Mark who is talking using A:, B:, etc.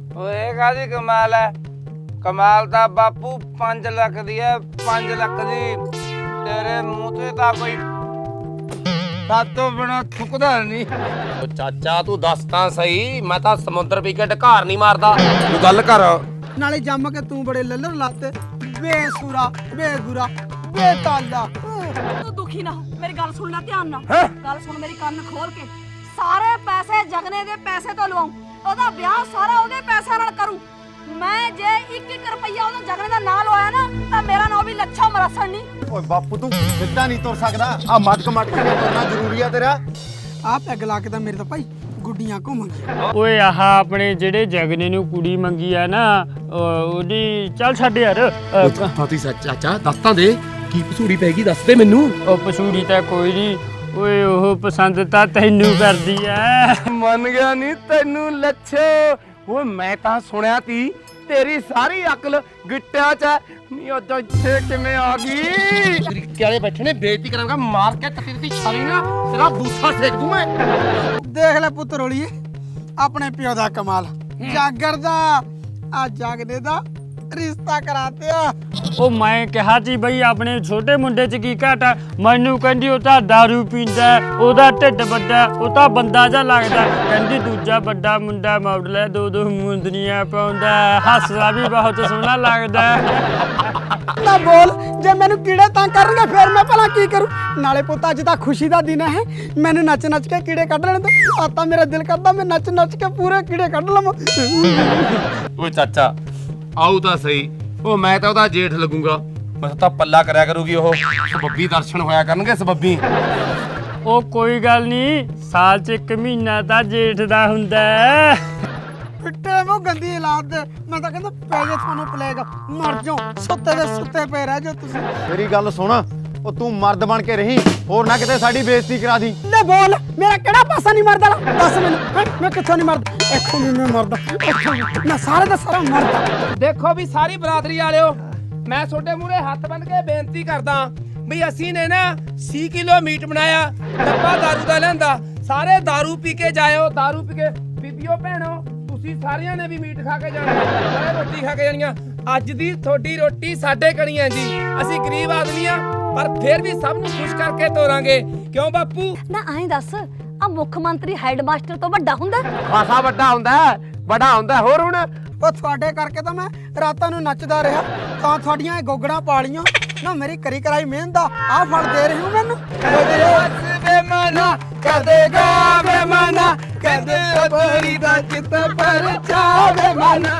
A: ਓਏ ਕਾਦੀ ਕਮਾਲ ਹੈ? ਕਮਾਲ ਤਾਂ ਬਾਪੂ 5 ਲੱਖ ਦੀ ਹੈ, 5 ਲੱਖ ਦੀ। ਤੇਰੇ ਮੂੰਹ ਤੇ ਤਾਂ ਕੋਈ ਸਾਤੋਂ ਬਣਾ ਥੁੱਕਦਾ ਨਹੀਂ।
B: ਓ ਚਾਚਾ ਤੂੰ ਦੱਸ ਤਾਂ ਸਹੀ, ਮੈਂ ਤਾਂ ਸਮੁੰਦਰ ਪੀ ਕੇ ਢਕਾਰ ਨਹੀਂ ਮਾਰਦਾ। ਤੂੰ ਗੱਲ ਕਰ।
C: ਨਾਲੇ ਜੰਮ ਕੇ ਤੂੰ ਬੜੇ ਲੱਲਰ ਲਾਤੇ, ਬੇਸੁਰਾ ਬੇਗੁਰਾ ਬੇਤਾਲਾ।
D: ਤੂੰ ਦੁਖੀ ਨਾ ਹੋ, ਮੇਰੀ ਗੱਲ ਸੁਣ ਲੈ ਧਿਆਨ ਨਾਲ। ਗੱਲ ਸੁਣ ਮੇਰੀ, ਕੰਨ ਖੋਲ ਕੇ। ਸਾਰੇ ਪੈਸੇ ਜਗਨੇ ਦੇ ਪੈਸੇ ਤੋਂ ਲਵਾਉ, ਉਹਦਾ ਵਿਆਹ ਸਾਰਾ ਉਹਦੇ ਪੈਸਿਆਂ ਨਾਲ ਕਰੂੰ ਮੈਂ। ਜੇ 1-1 ਰੁਪਈਆ ਉਹਦਾ ਜਗਨੇ ਦਾ ਨਾਂ ਲਵਾਇਆ ਨਾ ਤਾਂ ਮੇਰਾ ਨਾਂ ਵੀ ਲੱਛਾ ਮਰਸਣ ਨਹੀਂ।
E: ਓਏ ਬਾਪੂ ਤੂੰ ਸਿੱਧਾ ਨਹੀਂ ਤੁਰ ਸਕਦਾ, ਆ ਮਟਕ ਕੇ ਤੁਰਨਾ ਜ਼ਰੂਰੀ ਆ ਤੇਰਾ।
C: ਆਹ ਪੈਗ ਲਾ ਕੇ ਤਾਂ ਮੇਰੇ ਤਾਂ ਭਾਈ ਗੁੱਡੀਆਂ ਘੁੰਮ ਗਈਆਂ।
F: ਓਏ ਆਹ ਆਪਣੇ ਜਿਹੜੇ ਜਗਨੇ ਨੂੰ ਕੁੜੀ ਮੰਗੀ ਆ ਨਾ, ਉਹਦੀ ਚੱਲ ਛੱਡ ਯਾਰ।
B: ਫਾਤੀ ਚਾਚਾ ਦੱਸ ਤਾਂ ਦੇ, ਕੀ ਪਸੂੜੀ ਪੈ ਗਈ ਦੱਸ ਦੇ ਮੈਨੂੰ।
F: ਉਹ ਪਸੂੜੀ ਤਾਂ ਕੋਈ ਨਹੀਂ, ਓਏ ਉਹ ਪਸੰਦ ਤਾਂ ਤੈਨੂੰ ਕਰਦੀ ਐ।
A: ਮੰਨ ਗਿਆ ਨਹੀਂ ਤੈਨੂੰ ਲੱਛੋ। ਓਏ ਮੈਂ ਤਾਂ ਸੁਣਿਆ ਤੀ ਤੇਰੀ ਸਾਰੀ ਅਕਲ ਗਿੱਟਿਆਂ 'ਚ ਹੈ। ਨਹੀਂ ਉਹ ਤਾਂ ਇੱਥੇ ਕਿਵੇਂ ਆ ਗਈ?
B: ਤਰੀਕੇ ਵਾਲੇ ਬੈਠੇ ਨੇ, ਬੇਇੱਜ਼ਤੀ ਕਰਾਂਗਾ ਮਾਰ ਕੇ ਤੇਰੀ ਦੀ ਛਾਲੀ ਨਾ ਤੇਰਾ ਬੂਥਾ ਸੇਕ ਦੂੰ ਮੈਂ।
C: ਦੇਖ ਲੈ ਪੁੱਤ ਰੋਲੀਏ, ਆਪਣੇ ਪਿਓ ਦਾ ਕਮਾਲ। ਜਾਗਰ ਦਾ ਆ ਜਾਗਨੇ ਦਾ ਰਿਸ਼ਤਾ ਕਰਾਤਿਆ।
F: ਉਹ ਮੈਂ ਕਿਹਾ ਸੀ ਬਈ ਆਪਣੇ ਛੋਟੇ ਮੁੰਡੇ 'ਚ ਕੀ ਘਾਟ ਆ। ਮੈਨੂੰ ਕਹਿੰਦੀ ਉਹ ਤਾਂ ਦਾਰੂ ਪੀਂਦਾ, ਉਹਦਾ ਢਿੱਡ ਵੱਡਾ, ਉਹ ਤਾਂ ਬੰਦਾ ਜਿਹਾ ਲੱਗਦਾ। ਕਹਿੰਦੀ ਦੂਜਾ ਵੱਡਾ ਮੁੰਡਾ ਮਾਡਲ ਹੈ, 2-2 ਮੁੰਦਰੀਆਂ ਪਾਉਂਦਾ, ਹੱਸਦਾ ਵੀ ਬਹੁਤ ਸੋਹਣਾ ਲੱਗਦਾ।
C: ਨਾ ਬੋਲ, ਜੇ ਮੈਨੂੰ ਕੀੜੇ ਤੰਗ ਕਰਨਗੇ ਫਿਰ ਮੈਂ ਭਲਾ ਕੀ ਕਰੂੰ? ਨਾਲੇ ਪੁੱਤ ਅੱਜ ਤਾਂ ਖੁਸ਼ੀ ਦਾ ਦਿਨ ਹੈ, ਮੈਨੂੰ ਨੱਚ ਨੱਚ ਕੇ ਕੀੜੇ ਕੱਢ ਲੈਣ ਤੇ ਆ ਤਾਂ ਮੇਰਾ ਦਿਲ ਕਰਦਾ ਮੈਂ ਨੱਚ ਨੱਚ ਕੇ ਪੂਰੇ ਕੀੜੇ ਕੱਢ ਲਵਾਂ।
B: ਓਏ ਚਾਚਾ ਆਉ ਤਾਂ ਸਹੀ, ਉਹ ਮੈਂ ਤਾਂ ਉਹਦਾ ਜੇਠ ਲੱਗੂਗਾ। ਬਸ ਤਾਂ ਪੱਲਾ ਕਰਿਆ ਕਰੂਗੀ ਉਹ, ਸਬੱਬੀ ਦਰਸ਼ਨ ਹੋਇਆ ਕਰਨਗੇ ਸਬੱਬੀ।
F: ਉਹ ਕੋਈ ਗੱਲ ਨਹੀਂ, ਸਾਲ 'ਚ 1 ਮਹੀਨਾ ਤਾਂ ਜੇਠ ਦਾ ਹੁੰਦਾ ਹੈ।
C: ਫਿੱਟੇ ਮੂੰਹ ਗੰਦੀ ਔਲਾਦ ਦੇ, ਮੈਂ ਤਾਂ ਕਹਿੰਦਾ ਪੈ ਜੇ ਤੁਹਾਨੂੰ ਪਲੇਗ, ਮਰ ਜਾਓ, ਸੁੱਤੇ ਦੇ ਸੁੱਤੇ ਪਏ ਰਹਿ ਜਾਓ ਤੁਸੀਂ।
E: ਮੇਰੀ ਗੱਲ ਸੁਣ, ਉਹ ਤੂੰ ਮਰਦ ਬਣ ਕੇ ਰਹੀ, ਹੋਰ ਨਾ ਕਿਤੇ ਸਾਡੀ ਬੇਇੱਜ਼ਤੀ ਕਰਾ ਦੀ।
C: ਲੈ ਬੋਲ, ਮੇਰਾ ਕਿਹੜਾ ਪਾਸਾ ਨਹੀਂ ਮਰਦਾ? ਦੱਸ ਮੈਨੂੰ, ਮੈਂ ਕਿੱਥੋਂ ਨਹੀਂ ਮਰਦਾ? ਇੱਥੋਂ ਵੀ ਮੈਂ ਮਰਦਾ, ਇੱਥੋਂ ਵੀ ਮੈਂ ਸਾਰੇ ਦਾ ਸਾਰਾ ਮਰਦਾ।
A: ਦੇਖੋ ਵੀ ਸਾਰੀ ਬਰਾਦਰੀ ਵਾਲਿਓ, ਮੈਂ ਤੁਹਾਡੇ ਮੂਹਰੇ ਹੱਥ ਬੰਨ ਕੇ ਬੇਨਤੀ ਕਰਦਾ ਵੀ ਅਸੀਂ ਨੇ ਨਾ 6 ਕਿਲੋ ਮੀਟ ਬਣਾਇਆ, ਡੱਬਾ ਦਾਰੂ ਦਾ ਲਿਆਂਦਾ। ਸਾਰੇ ਦਾਰੂ ਪੀ ਕੇ ਜਾਇਓ, ਦਾਰੂ ਪੀ ਕੇ। ਬੀਬੀਓ ਭੈਣੋ, ਤੁਸੀਂ ਸਾਰਿਆਂ ਨੇ ਵੀ ਮੀਟ ਖਾ ਕੇ ਜਾਣਾ, ਸਾਰੇ ਰੋਟੀ ਖਾ ਕੇ ਜਾਣੀਆਂ। ਅੱਜ ਦੀ ਤੁਹਾਡੀ ਰੋਟੀ ਸਾਡੇ ਕਣੀ ਹੈ ਜੀ। ਅਸੀਂ ਗਰੀਬ ਆਦਮੀ ਆ, ਪਰ ਫਿਰ ਵੀ ਸਭ ਨੂੰ ਖੁਸ਼ ਕਰਕੇ ਤੋਰਾਂਗੇ। ਕਿਉਂ ਬਾਪੂ?
D: ਨਾ ਐਂ ਦੱਸ, ਆ ਮੁੱਖ ਮੰਤਰੀ ਹੈਡਮਾਸਟਰ ਤੋਂ ਵੱਡਾ ਹੁੰਦਾ?
A: ਖਾਸਾ ਵੱਡਾ ਹੁੰਦਾ, ਬੜਾ ਹੁੰਦਾ। ਹੋਰ ਹੁਣ
C: ਉਹ ਤੁਹਾਡੇ ਕਰਕੇ ਤਾਂ ਮੈਂ ਰਾਤਾਂ ਨੂੰ ਨੱਚਦਾ ਰਿਹਾ, ਤਾਂ ਤੁਹਾਡੀਆਂ ਇਹ ਗੋਗੜਾਂ ਪਾਲੀਆਂ ਨਾ। ਮੇਰੀ ਕਰੀ ਕਰਾਈ ਮਿਹਨਤ ਦਾ ਆ ਫਲ ਦੇ ਰਹੀ ਹੂੰ ਮੈਨੂੰ।
A: ਬੇਮਾਨਾ ਕਦੇਗਾ ਬੇਮਾਨਾ, ਕਦੇ ਅਬਰੀ ਦਾ ਚਿੱਤ ਪਰ ਚਾਵੇ ਮਨ।